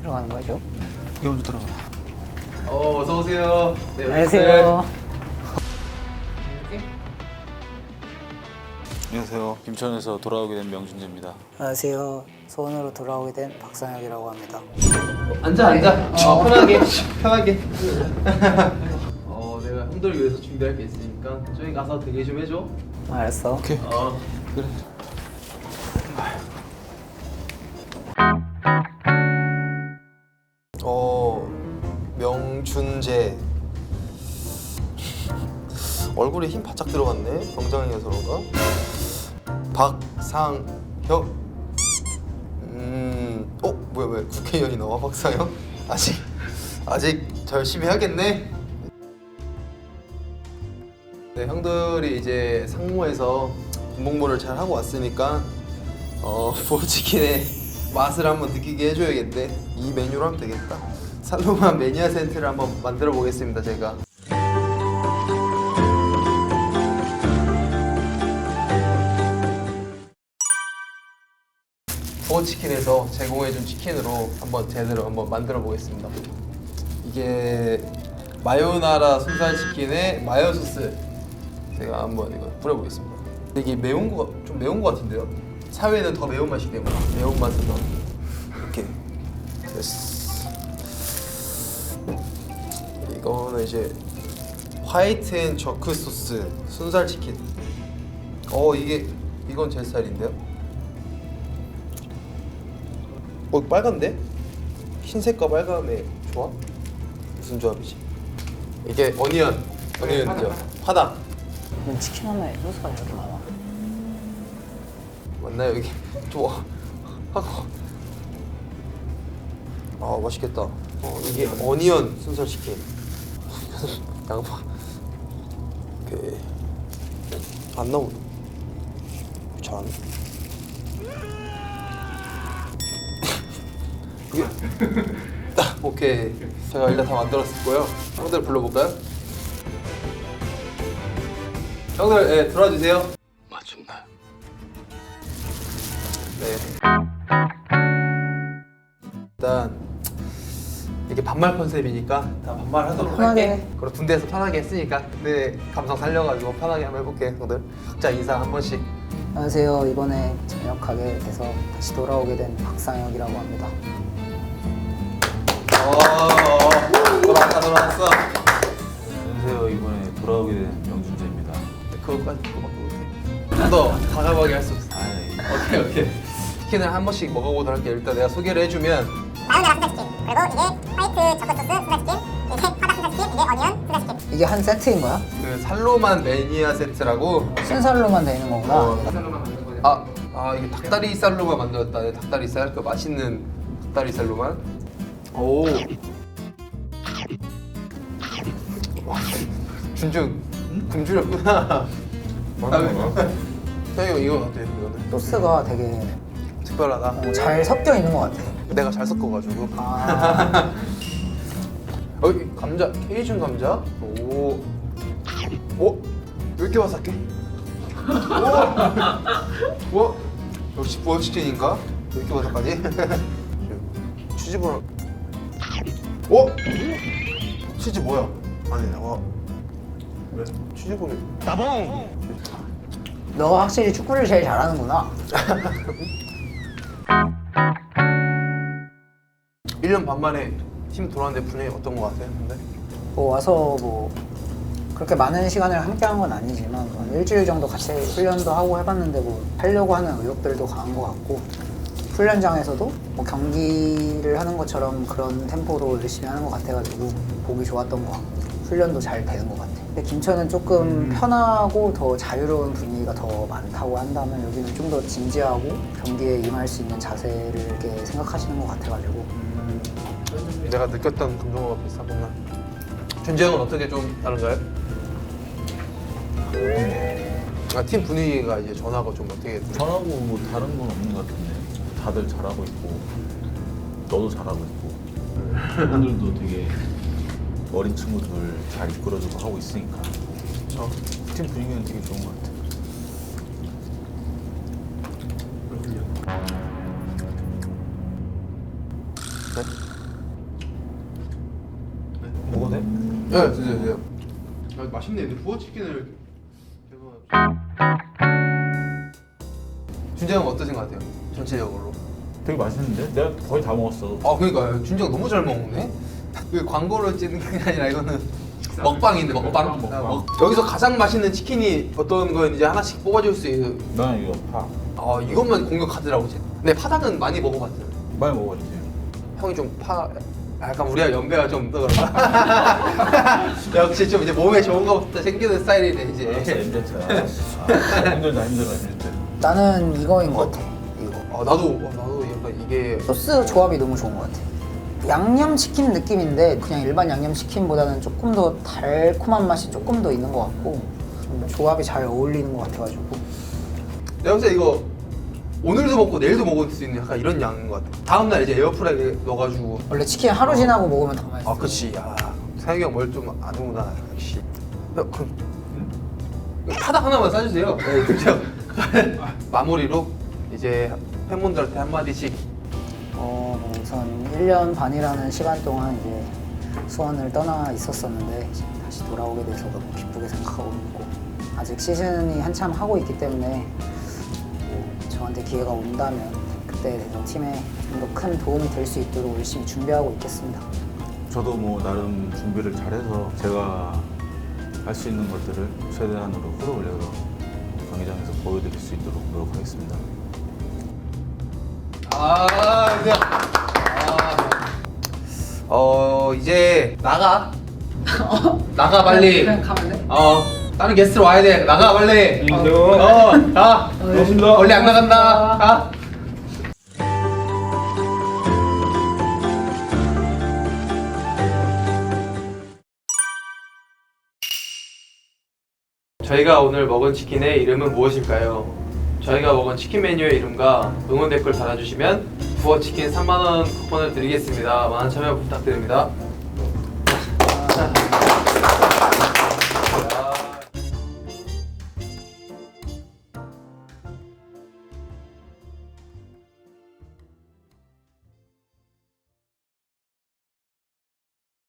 들어가는 거죠? 여기 먼저 들어가. 어서 오세요. 네, 안녕하세요. 안녕하세요. 김천에서 돌아오게 된 명준재입니다. 안녕하세요. 소원으로 돌아오게 된 박상혁이라고 합니다. 앉아. 편하게. 내가 형들 위해서 준비할 게 있으니까 저기 가서 대기 좀 해줘. 알았어. 오케이. 그래. 명준재. 얼굴에 힘 바짝 들어갔네. 병장이어서 그런가? 박상혁. 뭐야 왜 국회의원이 나와? 박상혁? 아직 열심히 해야겠네. 네, 형들이 이제 상무에서 군복무를 잘 하고 왔으니까 부어치킨의 맛을 한번 느끼게 해줘야겠네. 이 메뉴로 하면 되겠다. 살로만 매니아 센트를 한번 만들어 보겠습니다. 제가. 부어치킨에서 제공해준 치킨으로 한번 제대로 한번 만들어 보겠습니다. 이게 마요나라 순살치킨에 마요 소스 제가 한번 이거 뿌려보겠습니다. 이게 좀 매운 거 같은데요? 사회는 더 매운 맛이기 때문에 매운 맛을 더 이렇게 됐어. 이거는 이제 화이트 앤 저크 소스 순살치킨. 이건 제 스타일인데요? 빨간데? 흰색과 빨간의 조합? 무슨 조합이지? 이게 어니언이죠. 파닭. 이건 치킨 하나에 소스가 이렇게 많아. 맞나요? 이게 좀 하고. 맛있겠다. 이게 어니언 순살치킨. 양파. 오케이. 안 나오네. 잘. 이게 오케이. 제가 일단 다 만들었고요. 형들 불러볼까요? 형들, 들어와 주세요. 맞춘다. 네. 일단 이게 반말 컨셉이니까 다 반말하도록 편하게 할게. 해. 그리고 군대에서 편하게 했으니까 내 감성 살려가지고 편하게 한번 해볼게. 형들 각자 인사 한 번씩. 안녕하세요. 이번에 전역하게 돼서 다시 돌아오게 된 박상혁이라고 합니다. 돌아왔어. 안녕하세요. 이번에 돌아오게 된 명준재입니다. 그거밖에 못해. 좀 더 과감하게 할 수 없어. 오케이. 치킨을 한 번씩 먹어보도록 할게. 일단 내가 소개를 해주면 마요네라 순살치킨, 그리고 이게 화이트 저크 소스 순살치킨, 이게 파닭 순살치킨, 이게 어니언 순살치킨. 이게 한 세트인 거야? 그 살로만 매니아 세트라고. 순살로만 되는 거구나. 살로만 만든 거냐? 이게 닭다리살로만 만들었다. 네, 닭다리살, 그 맛있는 닭다리살로만. 오. 와, 준준 굶주렸구나. 형이 이거 어때? 이거는 소스가 되게 특별하다. 잘 섞여 있는 것 같아. 내가 잘 섞어가지고. 여기 감자, 케이준 감자. 오. 왜 이렇게 바삭해? 오. 역시 부어치킨인가? 왜 이렇게 바삭하지? 치즈볼. 치즈 뭐야? 아니, 왜? 치즈볼이. 너가 확실히 축구를 제일 잘하는구나. 1년 반 만에 팀 돌아왔는데 분위기 어떤 거 같아요? 근데? 와서 그렇게 많은 시간을 함께 한 건 아니지만 한 일주일 정도 같이 훈련도 하고 해봤는데 하려고 하는 의욕들도 강한 것 같고 훈련장에서도 경기를 하는 것처럼 그런 템포로 열심히 하는 것 같아가지고 보기 좋았던 것 같고 훈련도 잘 되는 것 같아. 근데 김천은 조금 편하고 더 자유로운 분위기가 더 많다고 한다면 여기는 좀 더 진지하고 경기에 임할 수 있는 자세를 이렇게 생각하시는 것 같아가지고 내가 느꼈던 감정과 비슷하구나. 준재 형은 어떻게 좀 다른가요? 팀 분위기가 이제 전하고 좀 어떻게 전하고 뭐 다른 건 없는 것 같은데 다들 잘하고 있고 너도 잘하고 있고 분들도 되게 어린 친구들 잘 이끌어주고 하고 있으니까 팀 분위기는 되게 좋은 것 같아. 네? 네, 드세요. 아, 맛있네. 근데 부어 치킨을 준재 형 어떠신 것 같아요? 전체적으로. 되게 맛있는데? 내가 거의 다 먹었어. 아 그러니까요. 준재가 너무 잘 먹네. 그 광고를 찍는 게 아니라 이거는 먹방인데 먹방. 먹방. 아, 여기서 가장 맛있는 치킨이 어떤 거였는지 하나씩 뽑아줄 수 있는. 난 이거 파 아 이것만 공격하더라고 제. 근데 파닭은 많이 먹어봤어요. 많이 먹었지. 형이 좀 약간 우리가 연배가 좀 더 그런가? 역시 좀 이제 몸에 좋은 거부터 챙기는 스타일이네 알았어, 이제. MZ야. 힘들다 힘들어. 나는 이거인 것 같아. 이거. 아 나도 약간 이게 소스 조합이 너무 좋은 것 같아. 양념치킨 느낌인데 그냥 일반 양념치킨보다는 조금 더 달콤한 맛이 조금 더 있는 것 같고 좀 조합이 잘 어울리는 것 같아가지고. 내가 봤을 때 이거 오늘도 먹고 내일도 먹을 수 있는 약간 이런 양인 것 같아. 다음날 이제 에어프라이기에 넣어가지고. 원래 치킨 하루 지나고 먹으면 더 맛있어. 아 그치. 야 사육이 형 뭘 좀 아는구나 역시. 그럼 파닭 하나만 싸주세요. 네, 그죠. 마무리로 이제 팬분들한테 한 마디씩. 뭐 우선 1년 반이라는 시간 동안 이제 수원을 떠나 있었었는데 이제 다시 돌아오게 돼서 너무 기쁘게 생각하고 있고 아직 시즌이 한참 하고 있기 때문에 저한테 기회가 온다면 그때 돼서 팀에 좀 더 큰 도움이 될 수 있도록 열심히 준비하고 있겠습니다. 저도 뭐 나름 준비를 잘해서 제가 할 수 있는 것들을 최대한으로 끌어올려서 경기장에서 보여드릴 수 있도록 노력하겠습니다. 이제 나가. 나가 빨리. 그냥 가면 돼? 다른 게스트 와야 돼. 나가 빨리. 가. 고맙습니다. 원래 안 나간다. 가. 저희가 오늘 먹은 치킨의 이름은 무엇일까요? 저희가 먹은 치킨 메뉴의 이름과 응원 댓글 달아주시면 부어치킨 3만원 쿠폰을 드리겠습니다. 많은 참여 부탁드립니다.